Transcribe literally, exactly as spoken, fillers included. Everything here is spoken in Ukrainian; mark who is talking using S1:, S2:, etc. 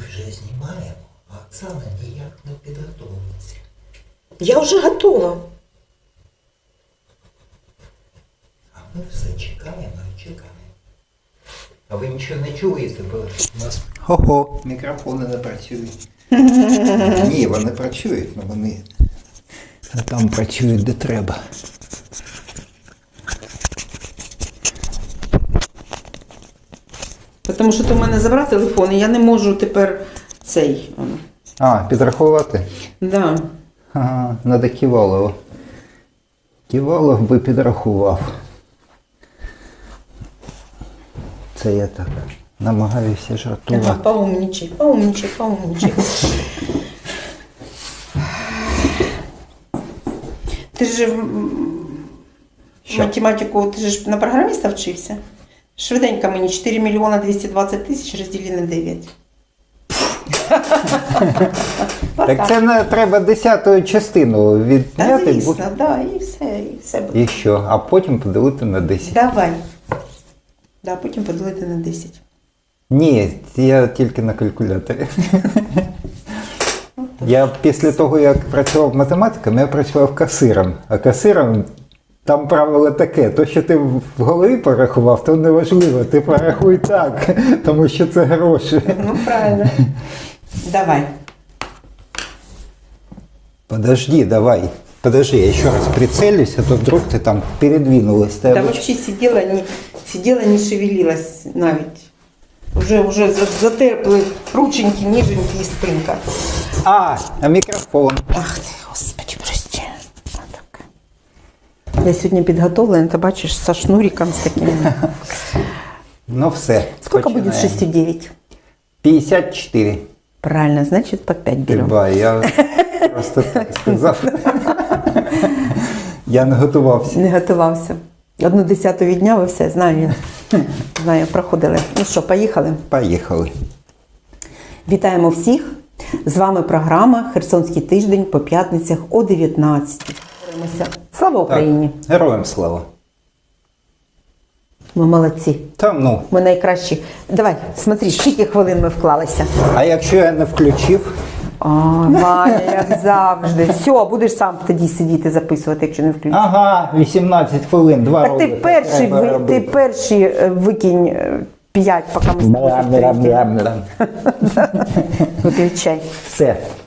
S1: вже знімаємо, а Оксана ніяк не підготовиться.
S2: Я вже готова.
S1: А ми все чекаємо і чекаємо. А ви нічого не чуєте, бо у нас... Хо-хо, мікрофони не працюють. Ні, вони працюють, але вони там працюють де треба.
S2: Тому що ти в мене забрав телефон, і я не можу тепер цей.
S1: А, підрахувати?
S2: Да.
S1: Ага, надо Ківалова. Ківалов би підрахував. Це я так намагаюся жартувати.
S2: Ага, поумничай, поумничай, поумничай. Ти ж м,
S1: Що?
S2: математику, ти ж на програміста вчився? Швиденько мені чотири мільйона двісті двадцять тисяч розділити на дев'ять.
S1: Так це не треба десяту частину
S2: Та
S1: відняти.
S2: звісно,
S1: бу-
S2: да, і все, і все буде.
S1: І що? А потім поділити на десять.
S2: Давай. Да, потім поділити на десять.
S1: Ні, я тільки на калькуляторі. Я після того, як працював математиком, я працював касиром. А касиром там правило таке, то, що ти в голові порахував, то не важливо, ти порахуй так, тому що це гроші.
S2: Ну, правильно. Давай.
S1: Подожди, давай. Подожди, я еще раз прицелюсь, а то вдруг ты там передвинулась. Ты
S2: Да
S1: обыч-
S2: вообще сидела, не, сидела, не шевелилась навіть. Уже, уже за- затерпли рученьки, ніженьки і спинка.
S1: А, а микрофон.
S2: Ах ти, Господи, прости. Отак. Я сьогодні підготовлена, ти бачиш, со шнуриком з таким.
S1: Ну все.
S2: Сколько
S1: починаем.
S2: будет шесть и девять?
S1: пятьдесят четыре.
S2: Правильно, значит по пять берем.
S1: Ба, я просто так сказав. Я не готувався.
S2: Не готувався. Одну десяту відняв і все, знаю. Знаю, проходили. Ну що, поїхали?
S1: Поїхали.
S2: Вітаємо всіх. З вами програма «Херсонський тиждень» по п'ятницях о дев'ятнадцятій. Слава Україні!
S1: Так, героям слава.
S2: Ми молодці.
S1: Та ну.
S2: Ми найкращі. Давай, смотри, скільки хвилин ми вклалися.
S1: А якщо я не включив?
S2: А, Ваня, як завжди. Все, будеш сам тоді сидіти записувати, якщо не включиш.
S1: Ага, виsemнадцять хвилин, два
S2: Так ти
S1: ролика
S2: перший,
S1: треба
S2: ви, ти
S1: робити.
S2: перший е, викинь е, п'ять, поки ми з тобою зустрінемося.
S1: Мля-мля-мля-мля.
S2: Виключай.
S1: Все.